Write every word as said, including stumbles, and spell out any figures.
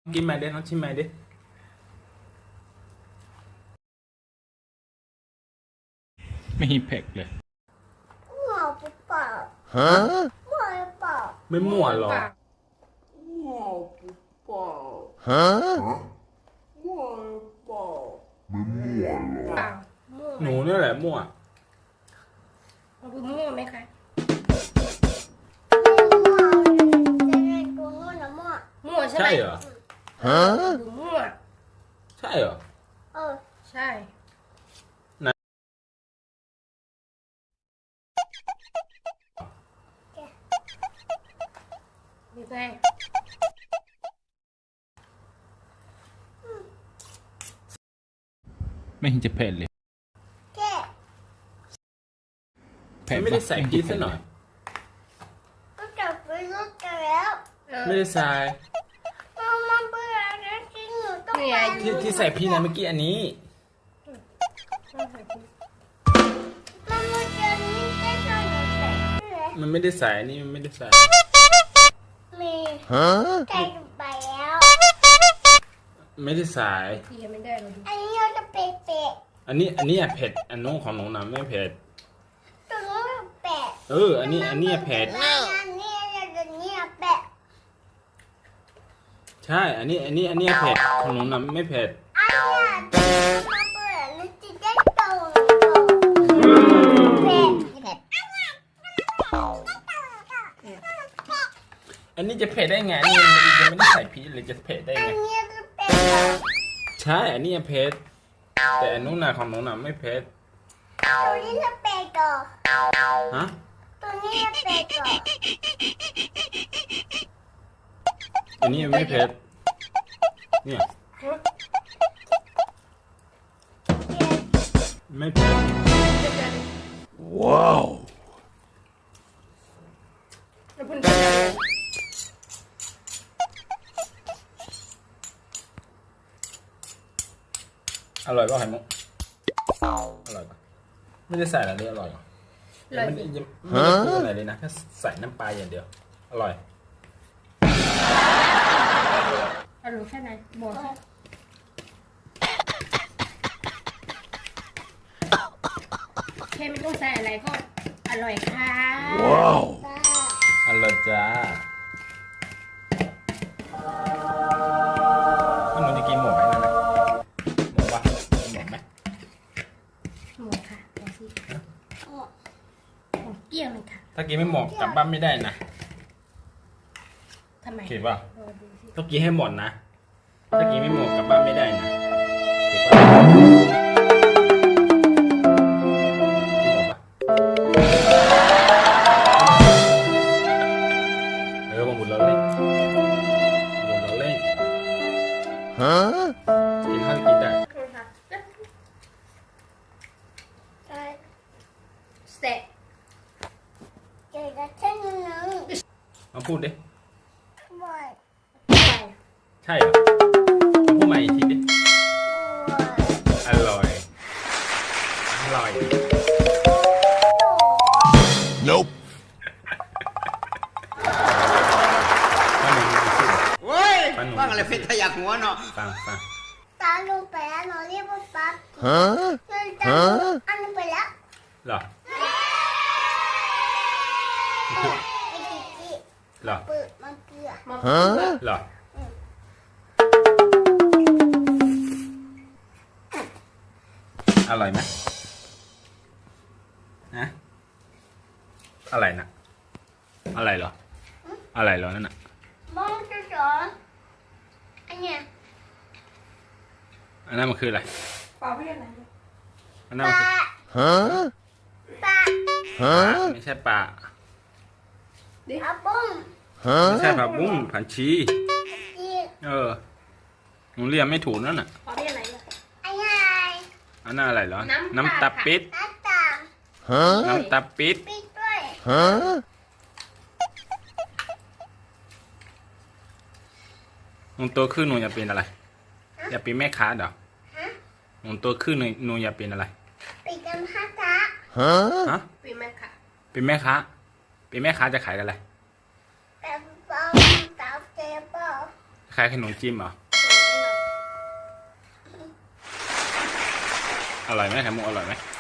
กินใหม่ดิน้องชิมใหม่ดิไม่มีเผ็ดเลยมั่วหรือเปล่าฮะมั่วหรือเปล่าไม่มั่วหรอกมั่วหรือเปล่าฮะมั่วหรือเปล่าไม่มั่วหรอหนูนี่แหละมั่วมันคือมั่วไหมคะมั่วใช่ไหมใช่เหรอฮะคือมั่วใช่เหรอเออใช่มีไงไม่เห็นจะเผ็ดเลยแค่เผ็ดไม่ได้ใส่พริกซะหน่อยก็จับไปรถกันแล้วไม่ได้ใส่มามาเบื่อแล้วจริงหนูต้องไปที่ที่ใส่พริกนะเมื่อกี้อันนี้มามาเจอนี่ได้ตอนหนูใส่มันไม่ได้ใส่อันนี้มันไม่ได้ใส่มีใส่ไปแล้วไม่ได้ใส่ที่ยังไม่ได้เราดูอันนี้เราจะเปะเปะอันนี้อันนี้อะเผ็ดอันนู้นของหนูนะไม่เผ็ดตรงนู้นแปะเอออันนี้อันนี้เผ็ดอันนี้จะนี่แปะใช่อันนี้อันนี้อันนี้เผ็ดของหนูนะไม่เผ็ดอันนี้มาเบื่อแล้วจะได้โตเผ็ดเผ็ดอันนี้จะเผ็ดได้ไงนี่มันยังไม่ได้ใส่พริกเลยจะเผ็ดได้ไงอันนี้จะเผ็ดใช่อันนี้เผ็ดแต่อันนู้นน่ะของหนูน่ะไม่เผ็ดตัวนี้จะเผ็ดต่อฮะตัวนี้จะเผ็ดต่ออันนี้ไม่เผ็ดเนี่ยไม่เผ็ดว้าวอร่อยป่ะไข่มุกอร่อยป่ะไม่ได้ใส่อะไรเลยอร่อยยังไม่ได้ยังไม่ได้ปรุงอะไรเลยนะแค่ใส่น้ำปลาอย่างเดียวอร่อยอร่อยแค่ไหนบอกแค่ไม่ต้องใส่อะไรก็อร่อยค่ะว้าวอร่อยจ้าหนูจะกินหมูไหมนั่นนะหมูปะกินหมูไหมหมูค่ะดูสิหมูเกี้ยวเลยค่ะถ้ากินไม่หมดกลับบ้านไม่ได้นะทำไมคิดว่าต้องกินให้หมดนะถ้ากินไม่หมดกลับบ้านไม่ได้นะคิดว่ากินหมดปะเออมาหมดแล้วเลยหมดแล้วเลยฮะกินข้าวกินได้เสร็จเจอกันเช่นนึงมาพูดดิบ่อยใช่เหรอพูดใหม่อีกทีดิอร่อยอร่อย Nope เว้ยฟังอะไรเพชรทะยักหัวเนาะฟังฟังตาลงไปแล้วเราเรียกว่าปั๊บฮะฮะอันนี้ไปแล้วเหรอเหรอเปิดมันเกลือฮะเหรออร่อยไหมนะอะไรนะอะไรเหรออะไรเหรอนั่นน่ะมองจะสอนอันเนี้ยอันนั้นมันคืออะไรปลาเพี้ยนอะไรอันนั้นมันคือฮะปลาฮะไม่ใช่ปลาปลาบุ้งฮะไม่ใช่ปลาบุ้งผันชีเออหนูเรียนไม่ถูกนั่นน่ะปลาเพี้ยนอะไรอันนี้อันนั้นอะไรเหรอน้ำตาปิดน้ำตาฮะน้ำตาปิดปิดด้วยฮะหนูตัวขึ้นหนูอยากเป็นอะไรอยากเป็นแม่ค้าเดี๋ยวหนูตัวขึ้นหนูหนูอยากเป็นอะไรเป็นแม่ค้าฮะฮะเป็นแม่ค้าเป็นแม่ค้าเป็นแม่ค้าจะขายอะไรแบบปลาปลาเจ็บปลาขล้ายๆขนมจิ้มเหรออร่อยไหมไข่มุกอร่อยไหม